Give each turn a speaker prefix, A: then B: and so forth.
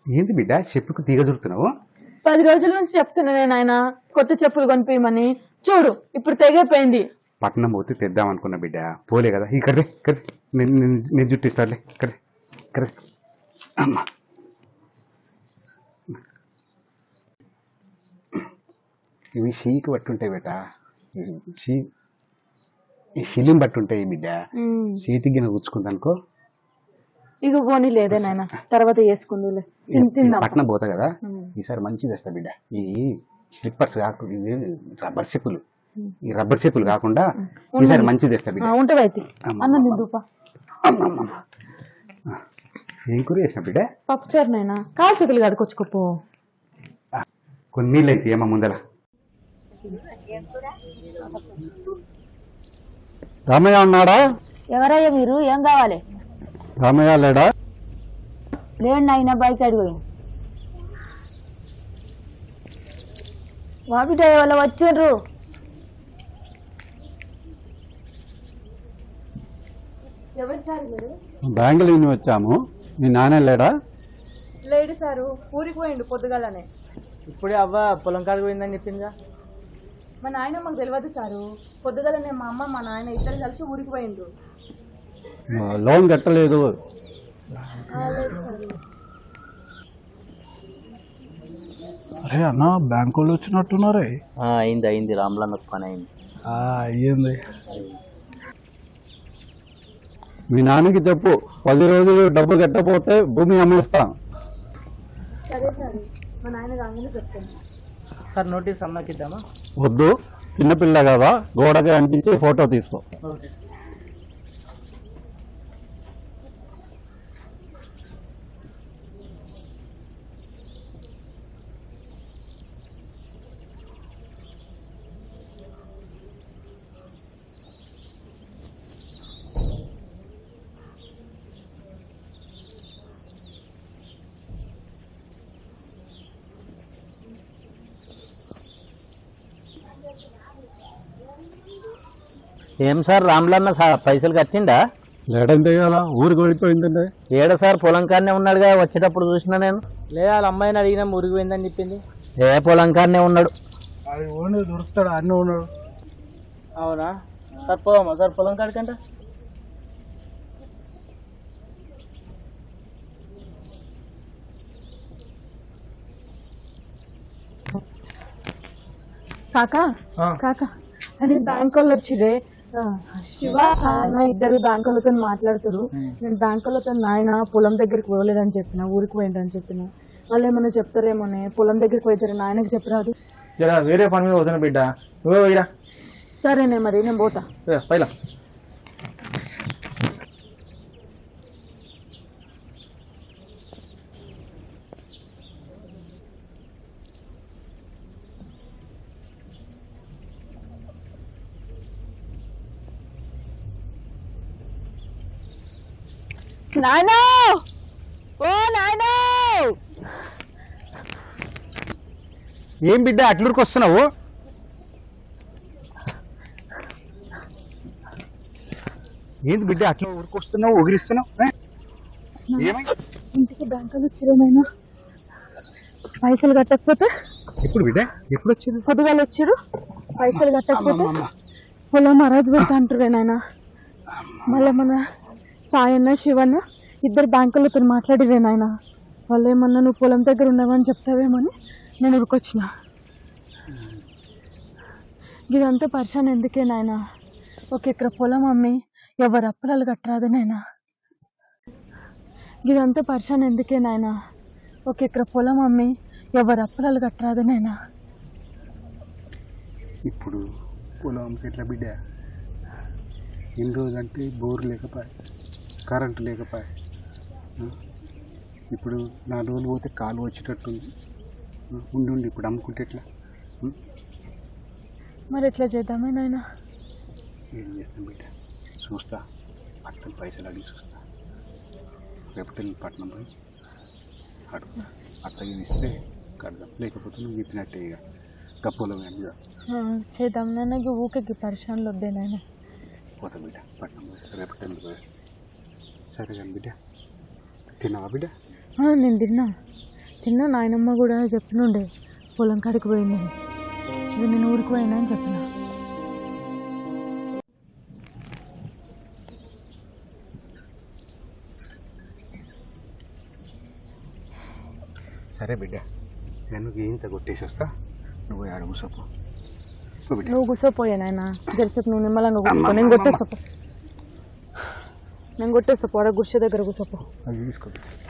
A: ఏంది బిడ్డ చెప్పుకు తీగ చుడుతున్నావు?
B: 10 రోజుల నుంచి చెప్తున్నా నేను ఆయన కొత్త చెప్పులు కొనిపించమని. చూడు ఇప్పుడు తెగైపోయింది.
A: పట్నం పోతే తెద్దాం అనుకున్నా బిడ్డ, పోలే కదా. ఇక్కడ నేను జుట్టిస్తాలే. ఇక్కడ అమ్మా, ఇవి షీకి పట్టుంటాయి బిడ్డ, ఈ షిలిం పట్టుంటాయి బిడ్డ. చేతికి గిన్నె కూర్చుకుందనుకో
B: ఇక పోనీ లేదే నాయన, తర్వాత చేసుకుందులే.
A: పట్నం పోతా కదా, ఈసారి మంచిది తెస్తా బిడ్డ. ఈ స్లిప్పర్స్ కాకుండా ఇవి రబ్బర్ చెప్పులు, ఈ రబ్బర్ చెప్పులు కాకుండా ఈసారి మంచిది తెస్తా బిడ్డ.
B: ఉంటవైతే అన్నం తిందుపా.
A: ఏం కూర చేసిన బిడ్డ?
B: పప్పుచారు నాయన, కాలు చేతులు కడుకొచ్చుకోపో.
A: కొన్ని నీళ్ళు అయితే ఏమో ముందర. రామయ్య ఉన్నాడా?
B: ఎవరయ్యా మీరు? ఏం కావాలి?
A: రామయ్య లేడా?
B: లేండి నాయన, బైక్ అడిగి వాపిట వాళ్ళు వచ్చిండ్రు.
A: బ్యాంకుల నుంచి వచ్చాము. మీ నాన్న లేడా?
B: లేడు సారు, ఊరికి పోయిండు పొద్దుగాలనే.
C: ఇప్పుడే అవ్వ పొలం కాడికి పోయిందని చెప్పిందిగా.
B: మా నాయన మాకు తెలియదు సారు, పొద్దుగాలనే మా అమ్మ మా నాయన ఇద్దరు కలిసి ఊరికి పోయిండ్రు.
A: లోన్ కట్టలేదు.
D: అరే అన్న, బ్యాంకు వాళ్ళు వచ్చినట్టున్నారే.
C: అయింది రామ్లన్న పని అయింది.
D: అయ్యింది.
A: మీ నాన్నకి చెప్పు, 10 రోజులు డబ్బు కట్టకపోతే భూమి అమ్మేస్తాం.
B: సరే సార్, మా నాయన రాగానే చెప్తాను.
C: సార్ నోటీస్ అమ్మకి ఇద్దామా?
A: వద్దు, చిన్నపిల్ల కదా, గోడకి అంటించి ఫోటో తీసుకో.
C: ఏం సార్ రామ్లన్న పైసలు కట్టిండా?
A: లేడంతే కదా, ఊరికి వెళ్ళిపోయిందండి.
C: ఏడ సార్ పొలం కాడనే ఉన్నాడుగా, వచ్చేటప్పుడు చూసినా నేను. లేదా వాళ్ళ అమ్మాయిని అడిగినా ఊరికి పోయిందని చెప్పింది. ఏ పొలం కాడనే ఉన్నాడు.
D: అది ఓన్లీ దొరుకుతాడు, అన్నీ ఉన్నాడు.
C: అవునా సార్, పోదామా సార్ పొలం కాడికంట?
B: కాకా కాకా, అది బ్యాంక్ వాళ్ళు వచ్చిరే. శివ ఆయన ఇద్దరు బ్యాంక్ వాళ్ళతో మాట్లాడుతారు. నేను బ్యాంక్ వాళ్ళతో నాయన పొలం దగ్గరికి పోలేదని చెప్పిన, ఊరికి పోయిందని చెప్పిన. వాళ్ళు ఏమన్నా చెప్తారేమోనే, పొలం దగ్గరికి పోయితారు. నాయనకి చెప్పరాదు.
C: వేరే పని మీద వదిన బిడ్డ, నువ్వే పోయిరా.
B: సరేనే మరి, నేను పోతా.
C: పైలా
B: నాయనా, ఓ నాయనా.
A: ఏం బిడ్డ అట్లూరికి వస్తున్నావు? ఏంది బిడ్డ అట్లా ఊరికి వస్తున్నావు, ఊగిరిస్తున్నావు?
B: ఇంటికి బ్యాంకులు వచ్చిరేమైనా పైసలు కట్టకపోతే?
A: ఎప్పుడు బిడ్డ, ఎప్పుడు వచ్చింది?
B: పొద్దుగాలు వచ్చారు. పైసలు కట్టకపోతే పొలం అరాజు పెడతా అంటారే నాయన. మళ్ళీ మన సాయన్న శివన్న ఇద్దరు బ్యాంకులతో మాట్లాడిరే నాయన. వాళ్ళు ఏమన్నా నువ్వు పొలం దగ్గర ఉన్నావని చెప్తావేమని నేను ఉరికొచ్చిన. ఇదంతా పరిశాన్ ఎందుకే నాయన? 1 ఎకరా పొలం అమ్మి ఎవరు అప్పులాలు కట్టరాదు నాయన. ఇదంతా పరిశాన్ ఎందుకే నాయన? 1 ఎకరా పొలం అమ్మి ఎవరు అప్పులాలు కట్టరాదు నాయన.
A: ఇప్పుడు పొలం ఎట్లా బిడ్డ? ఎన్ని రోజులంటే బోర్ లేకపోయా, కరెంటు లేకపోయా. ఇప్పుడు 4 రోజులు పోతే కాలు వచ్చేటట్టుంది. ఉండి ఇప్పుడు అమ్ముకుంటే ఎట్లా?
B: మరి ఎట్లా చేద్దామే నాయన?
A: ఏం చేస్తాం బిడ్డ, చూస్తా. పట్టణం పైసలు అడిగి చూస్తా. రేపటి పట్టణం పోయి అడుగు, అత్తగిని ఇస్తే కడదాం, లేకపోతే నువ్వు చెప్పినట్టే ఇక గప్పలో మీద
B: చేద్దాం నాయన. ఊరికి పరిశాన్లు వద్దే నాయన.
A: పోతా బిడ్డ, పట్టణం పోయి రేపటి పోయి. సరే కానీ బిడ్డ, తిన్నావా బిడ్డ?
B: నేను తిన్నా. చిన్న నాయనమ్మ కూడా చెప్పినుండే పొలం కాడికి పోయింది ఇక నేను ఊరికి పోయినా అని చెప్పిన.
A: సరే బిడ్డ నేను ఇంత కొట్టేసి వస్తా, నువ్వు ఆడ కూర్చోపో. బిడ్డ
B: నువ్వు కూర్చోపోయా నాయన జరసేపు నువ్వు నిమ్మలంగా కూర్చో. నేను కొట్టేస్తా, నేను కొట్టేస్తా. పోడ గుడిసె దగ్గర కూర్చోపో.
A: అది తీసుకో.